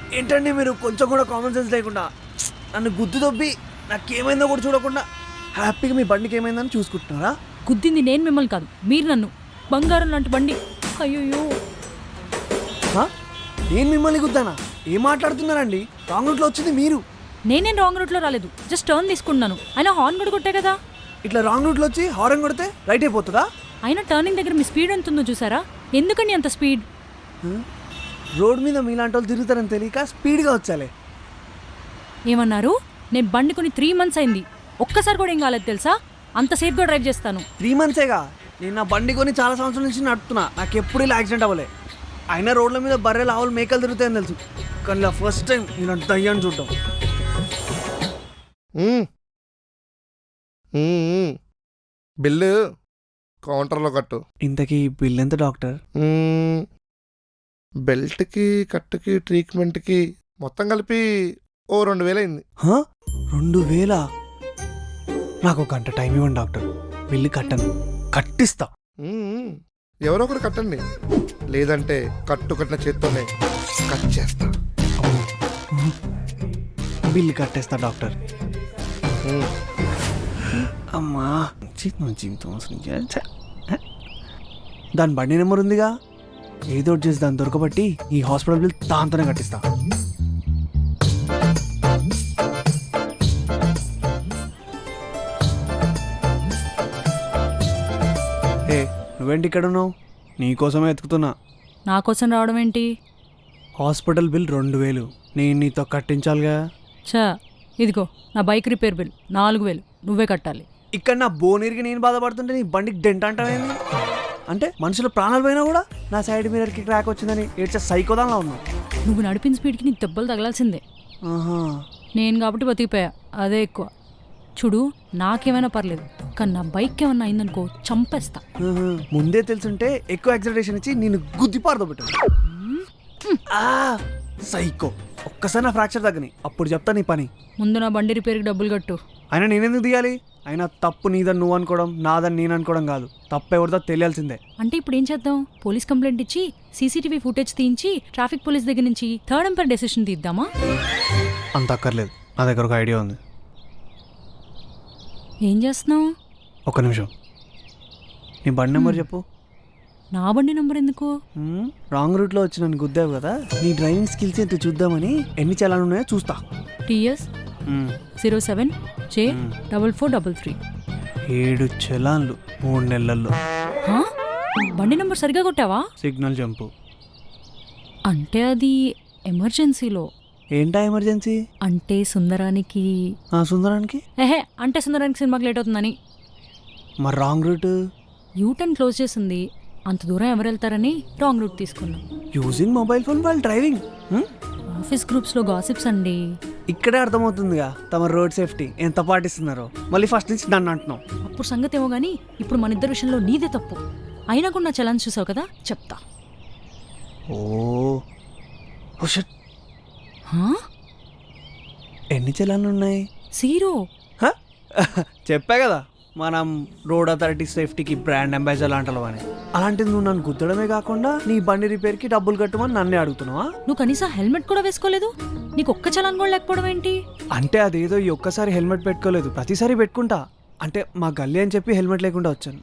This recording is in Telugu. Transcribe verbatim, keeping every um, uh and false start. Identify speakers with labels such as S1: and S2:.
S1: ఏంటండి మీరు కొంచెం కూడా కామన్ సెన్స్ లేకుండా నన్ను గుద్దు దొబ్బి నాకేమైందో కూడా చూడకుండా హ్యాపీగా మీ బండికి ఏమైందని చూసుకుంటున్నారా?
S2: గుద్దింది నేను మిమ్మల్ని కాదు, మీరు నన్ను. బంగారం లాంటి బండి. అయ్యో,
S1: హా? నేను మిమ్మల్ని గుద్దానా? ఏం మాట్లాడుతున్నారండి? రాంగ్ రూట్లో వచ్చింది మీరు.
S2: నేనేం రాంగ్ రూట్లో రాలేదు, జస్ట్ టర్న్ తీసుకున్నాను. అయినా హార్న్ కూడా కొట్టే కదా.
S1: ఇట్లా రాంగ్ రూట్లో వచ్చి హారన్ కొడితే రైట్ అయిపోతుందా?
S2: అయినా టర్నింగ్ దగ్గర మీ స్పీడ్ ఎంత ఉందో చూసారా? ఎందుకండి అంత స్పీడ్?
S1: రోడ్ మీద మీలాంటి వాళ్ళు తిరుగుతారని తెలియక స్పీడ్గా వచ్చాలే.
S2: ఏమన్నారు? నేను బండి కొని త్రీ మంత్స్ అయింది, ఒక్కసారి కూడా ఏం కాలేదు తెలుసా? అంత సేఫ్గా డ్రైవ్ చేస్తాను.
S1: త్రీ మంత్సేగా నేను నా బండి కొని చాలా సంవత్సరాల నుంచి నడుపుతున్నా. నాకు ఎప్పుడు ఇలా యాక్సిడెంట్ అవ్వలే. అయినా రోడ్ల మీద బర్రెలు ఆవులు మేకలు తిరుగుతాయని తెలుసు, కానీ ఇలా ఫస్ట్ టైం నేను దయ్యాన్ని చూడటం.
S3: బిల్లు కౌంటర్లో కట్టు.
S1: ఇంతకీ బిల్ ఎంత డాక్టర్?
S3: బెల్ట్కి కట్టుకి ట్రీట్మెంట్కి మొత్తం కలిపి ఓ రెండు వేలు అయింది.
S1: రెండు వేల? నాకు ఒక గంట టైం ఇవ్వండి డాక్టర్, బిల్లు కట్టను, కట్టిస్తా.
S3: ఎవరో ఒకరు కట్టండి, లేదంటే కట్టు కట్టిన చేత్తోనే కట్ చేస్తా.
S1: బిల్లు కట్టేస్తా డాక్టర్. అమ్మా జీవితం దాని బండి నెంబర్ ఉందిగా, ఏదో ఒకటి చేసి దాన్ని దొరకబట్టి ఈ హాస్పిటల్ బిల్ దాంతోనే కట్టిస్తా. ఏ నువ్వేంటి ఇక్కడ ఉన్నావు? నీకోసమే ఎత్తుకుతున్నా.
S2: నా కోసం రావడం ఏంటి?
S1: హాస్పిటల్ బిల్ రెండు వేలు నేను నీతో కట్టించాలిగా.
S2: చా, ఇదిగో నా బైక్ రిపేర్ బిల్ నాలుగు వేలు నువ్వే కట్టాలి.
S1: ఇక్కడ నా బోనీరికి నేను బాధపడుతుంటే నీ బండికి డెంట్ అంటావేంది? అంటే మనుషుల ప్రాణాలు పోయినా కూడా నా సైడ్ మిర్రర్కి క్రాక్ వచ్చిందని ఏడ్చే సైకోదాన్లా ఉన్నావు.
S2: నువ్వు నడిపిన స్పీడ్కి నీకు దెబ్బలు తగలాల్సిందే.
S1: ఆహా,
S2: నేను కాబట్టి బతికిపోయా, అదే ఎక్కువ. చూడు, నాకేమైనా పర్లేదు, కానీ నా బైక్ ఏమన్నా అయిందనుకో చంపేస్తా.
S1: ఆహా. ముందే తెలుసుంటే ఎక్కువ యాక్సిలరేషన్ ఇచ్చి నేను గుద్ది పారదోబెట్టు. సైకో. ఒక్కసారి నా ఫ్రాక్చర్ తగ్గని అప్పుడు చెప్తా నీ పని.
S2: ముందు నా బండి రిపేర్కి డబ్బులు కట్టు.
S1: అయినా నేనెందుకు తీయాలి? అయినా తప్పు నీదని నువ్వు అనుకోవడం, నాదని నేను అనుకోవడం కాదు. తప్పు ఎవరిదో తెలియాల్సిందే.
S2: అంటే ఇప్పుడు ఏం చేద్దాం? పోలీస్ కంప్లైంట్ ఇచ్చి సీసీటీవీ ఫుటేజ్ తీయించి ట్రాఫిక్ పోలీస్ దగ్గర నుంచి థర్డ్ ఎంపైర్ డెసిషన్ తీద్దామా?
S1: అంత అక్కర్లేదు, నా దగ్గర ఒక ఐడియా ఉంది.
S2: ఏం చేస్తున్నావు?
S1: ఒక నిమిషం, నీ బండి నెంబర్ చెప్పు.
S2: నా బండి నెంబర్ ఎందుకు?
S1: రాంగ్ రూట్లో వచ్చి నన్ను గుద్దావు కదా, నీ డ్రైవింగ్ స్కిల్స్ ఎంత చూద్దామని ఎన్ని చలాలు ఉన్నాయో చూస్తా.
S2: TS zero seven J double four double three.
S1: ఏడు చలాన్లు మూడు నెలల్లో.
S2: బండి నెంబర్ సరిగా కొట్టావా?
S1: Signal jump.
S2: అంటే అది ఎమర్జెన్సీలో.
S1: ఏంటా ఎమర్జెన్సీ?
S2: అంటే సుందరానికి.
S1: సుందరానికి
S2: ఏహే, అంటే సుందరానికి సినిమాకి లేట్ అవుతుందని.
S1: మరి రాంగ్ రూట్?
S2: యూటర్న్ క్లోజ్ చేసింది, అంత దూరం ఎవరు వెళ్తారని రాంగ్ రూట్ తీసుకున్నాం.
S1: Using mobile phone while driving.
S2: Office గ్రూప్స్లో గాసిప్స్ అండి.
S1: ఇక్కడే అర్థమవుతుందిగా తమ రోడ్ సేఫ్టీ ఎంత పాటిస్తున్నారో. మళ్ళీ ఫస్ట్ నుంచి నన్ను అంటున్నావు.
S2: అప్పుడు సంగతి ఏమో కానీ ఇప్పుడు మన ఇద్దరు విషయంలో నీదే తప్పు. అయినా కూడా నా చలన్ చూసావు కదా, చెప్తా.
S1: Oh shit.
S2: హా?
S1: ఎన్ని చలాన్లు ఉన్నాయి?
S2: జీరో.
S1: చెప్పా కదా మనం రోడ్ అథారిటీ సేఫ్టీకి బ్రాండ్ అంబాసిడర్ లాంటి అని. అలాంటిది నువ్వు నన్ను గుద్దడమే కాకుండా నీ బండి రిపేర్కి డబ్బులు కట్టమని నన్నే అడుగుతున్నావా?
S2: నువ్వు కనీసం హెల్మెట్ కూడా వేసుకోలేదు, నీకు ఒక్క చలాన్ కూడా లేకపోవడం ఏంటి?
S1: అంటే అదేదో ఈ ఒక్కసారి హెల్మెట్ పెట్టుకోలేదు, ప్రతిసారి పెట్టుకుంటా. అంటే మా గల్లీ అని చెప్పి హెల్మెట్ లేకుండా వచ్చాను.